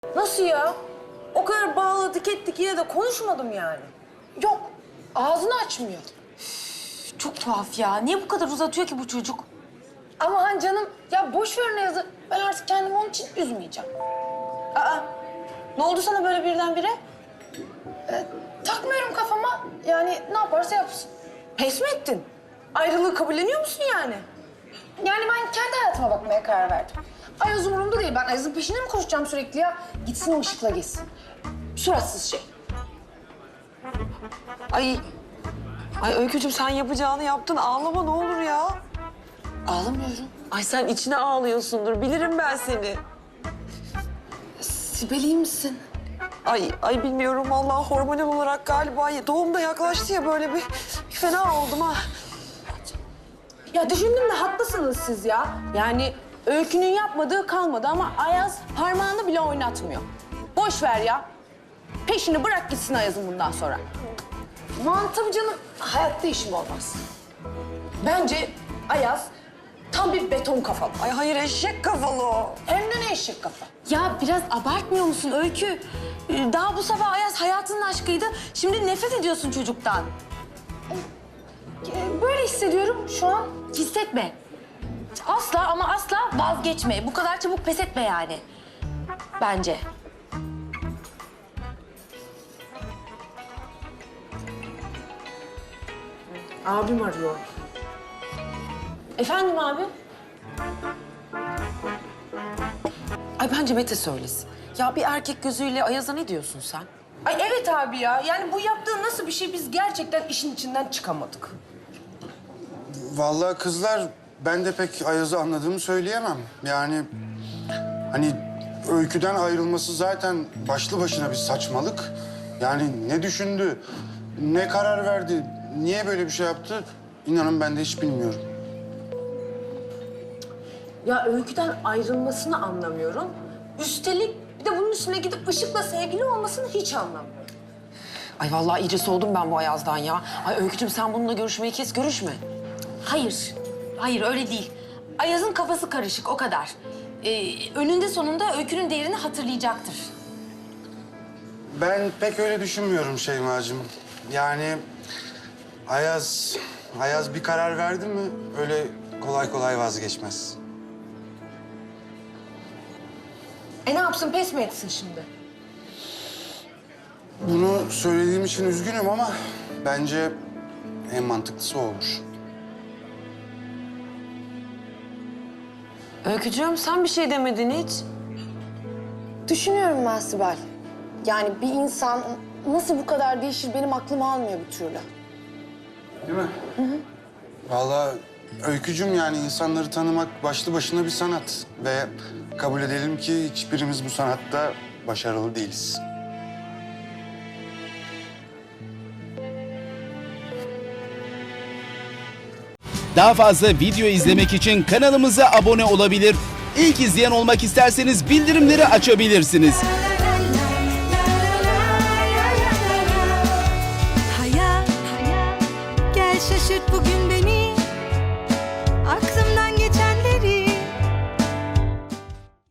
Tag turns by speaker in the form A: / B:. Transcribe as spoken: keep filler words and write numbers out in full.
A: Nasıl ya? O kadar bağladık ettik yine de konuşmadım yani.
B: Yok, ağzını açmıyor.
C: Çok tuhaf ya. Niye bu kadar uzatıyor ki bu çocuk?
B: Ama hani canım, ya boş ver ne yazı. Ben artık kendimi onun için üzmeyeceğim.
A: Aa, ne oldu sana böyle birdenbire?
B: Ee, takmıyorum kafama. Yani ne yaparsa yapsın.
A: Pes mi ettin? Ayrılığı kabulleniyor musun yani?
B: Yani ben kendi hayatıma bakmaya karar verdim. Ayaz umurumda değil. Ben Ayaz'ın peşine mi koşacağım sürekli ya? Gitsin o ışıkla geçsin. Suratsız şey.
D: Ay, ay Öykücüğüm sen yapacağını yaptın. Ağlama ne olur ya.
B: Ağlamıyorum.
D: Ay sen içine ağlıyorsundur. Bilirim ben seni.
B: Sibel iyi misin?
D: Ay, ay bilmiyorum vallahi hormonal olarak galiba doğum da yaklaştı ya böyle bir fena oldum ha.
A: Ya düşündüm de haklısınız siz ya. Yani Öykü'nün yapmadığı kalmadı ama Ayaz parmağını bile oynatmıyor. Boş ver ya. Peşini bırak gitsin Ayaz'ın bundan sonra.
B: Aman tabii canım. Hayatta işim olmaz.
A: Bence Ayaz tam bir beton kafalı.
D: Ay hayır eşek kafalı o.
B: Hem de ne eşek kafa.
C: Ya biraz abartmıyor musun Öykü? Ee, Daha bu sabah Ayaz hayatının aşkıydı. Şimdi nefret ediyorsun çocuktan.
B: Ee, Böyle hissediyorum şu an.
C: Hissetme. Asla ama asla vazgeçme. Bu kadar çabuk pes etme yani. Bence.
A: Abim arıyor. Efendim abi?
D: Ay bence Mete söylesin. Ya bir erkek gözüyle Ayaz'a ne diyorsun sen?
A: Ay evet abi ya. Yani bu yaptığı nasıl bir şey biz gerçekten işin içinden çıkamadık.
E: Vallahi kızlar ben de pek Ayaz'ı anladığımı söyleyemem. Yani hani Öykü'den ayrılması zaten başlı başına bir saçmalık. Yani ne düşündü, ne karar verdi, niye böyle bir şey yaptı inanın ben de hiç bilmiyorum.
A: Ya Öykü'den ayrılmasını anlamıyorum. Üstelik bir de bunun üstüne gidip Işık'la sevgili olmasını hiç anlamıyorum.
D: Ay vallahi iyice soğudum ben bu Ayaz'dan ya. Ay Öykücüğüm sen bununla görüşmeyi kes, görüşme.
C: Hayır. Hayır öyle değil. Ayaz'ın kafası karışık o kadar. Ee, önünde sonunda Öykü'nün değerini hatırlayacaktır.
E: Ben pek öyle düşünmüyorum Şeyma'cığım. Yani Ayaz, Ayaz bir karar verdi mi öyle kolay kolay vazgeçmez.
A: E ne yapsın pes mi etsin şimdi?
E: Bunu söylediğim için üzgünüm ama bence en mantıklısı o olur.
D: Öykücüğüm sen bir şey demedin hiç.
B: Düşünüyorum ben Sibel. Yani bir insan nasıl bu kadar değişir benim aklım almıyor bir türlü.
E: Değil mi? Hı hı. Vallahi Öykücüm yani insanları tanımak başlı başına bir sanat. Ve kabul edelim ki hiçbirimiz bu sanatta başarılı değiliz.
F: Daha fazla video izlemek için kanalımıza abone olabilir. İlk izleyen olmak isterseniz bildirimleri açabilirsiniz.
G: Hayat, gel şaşırt bugün.